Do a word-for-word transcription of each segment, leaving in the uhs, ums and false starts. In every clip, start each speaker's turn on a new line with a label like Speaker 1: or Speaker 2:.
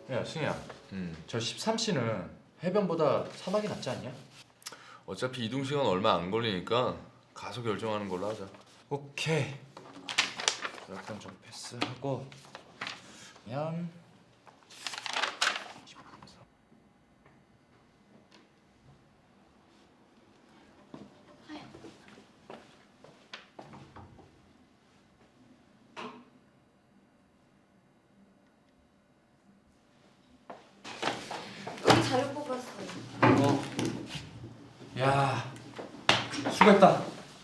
Speaker 1: 야 승희야,
Speaker 2: 음.
Speaker 1: 저 십삼 씨는 해변보다 사막이 낫지 않냐?
Speaker 2: 어차피 이동 시간 얼마 안 걸리니까 가서 결정하는 걸로 하자.
Speaker 1: 오케이. 약간 좀 패스하고 그냥
Speaker 3: 여기 자료 뽑았어요.
Speaker 1: 어. 야, 수고했다.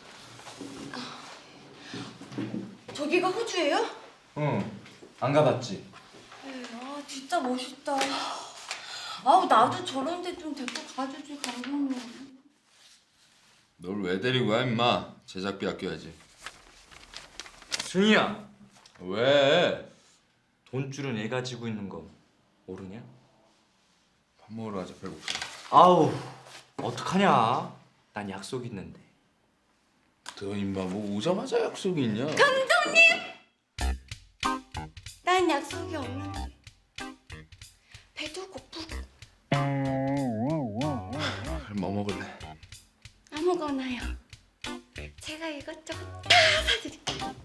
Speaker 3: 저기가 호주예요?
Speaker 1: 응. 안 가봤지?
Speaker 3: 네, 아 진짜 멋있다. 아우 나도 저런데 좀 데리고 가주지 감독님.
Speaker 2: 널 왜 데리고 가 임마? 제작비 아껴야지.
Speaker 1: 승희야,
Speaker 2: 왜?
Speaker 1: 돈줄은 애가 지고 있는 거 모르냐?
Speaker 2: 밥 먹으러 가자. 배고파.
Speaker 1: 아우, 어떡하냐? 난 약속 있는데.
Speaker 2: 너 임마 뭐 오자마자 약속이 있냐?
Speaker 3: 난 약속이 없는데 배도 고프고
Speaker 2: 뭐 먹을래?
Speaker 3: 아무거나요. 제가 이것저것 다 사드릴게요.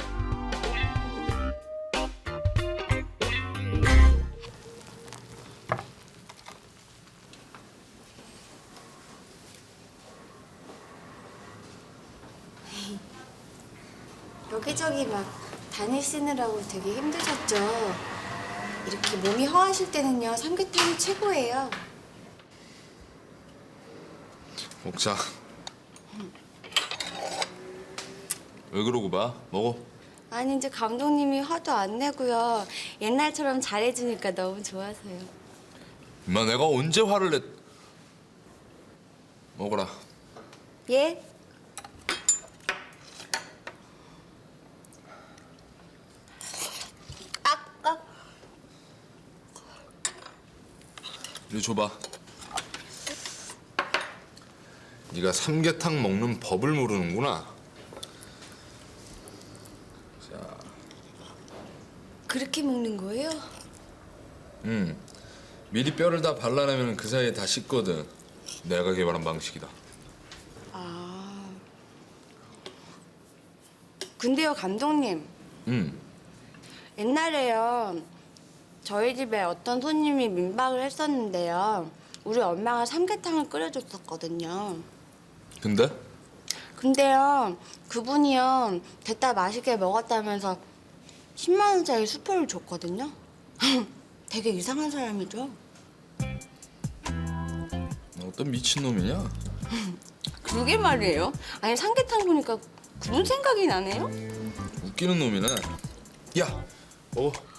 Speaker 3: 여기저기 막 다니시느라고 되게 힘드셨죠? 이렇게 몸이 허하실 때는요 삼계탕이 최고예요.
Speaker 2: 먹자. 왜 그러고 봐? 먹어.
Speaker 3: 아니 이제 감독님이 화도 안 내고요. 옛날처럼 잘해주니까 너무 좋아서요.
Speaker 2: 임마 내가 언제 화를 냈... 먹어라.
Speaker 3: 예? 아까
Speaker 2: 이리 줘봐. 네가 삼계탕 먹는 법을 모르는구나. 자,
Speaker 3: 그렇게 먹는 거예요?
Speaker 2: 음, 미리 뼈를 다 발라내면 그 사이에 다 식거든. 내가 개발한 방식이다.
Speaker 3: 아. 근데요 감독님.
Speaker 2: 음,
Speaker 3: 옛날에요 저희 집에 어떤 손님이 민박을 했었는데요. 우리 엄마가 삼계탕을 끓여줬었거든요.
Speaker 2: 근데?
Speaker 3: 근데요 그분이요 됐다 맛있게 먹었다면서 십만 원짜리 수표를 줬거든요. 되게 이상한 사람이죠.
Speaker 2: 어떤 미친놈이냐?
Speaker 3: 그러게 말이에요. 아니 삼계탕 보니까 그분 생각이 나네요.
Speaker 2: 웃기는 놈이네. 야, 먹어.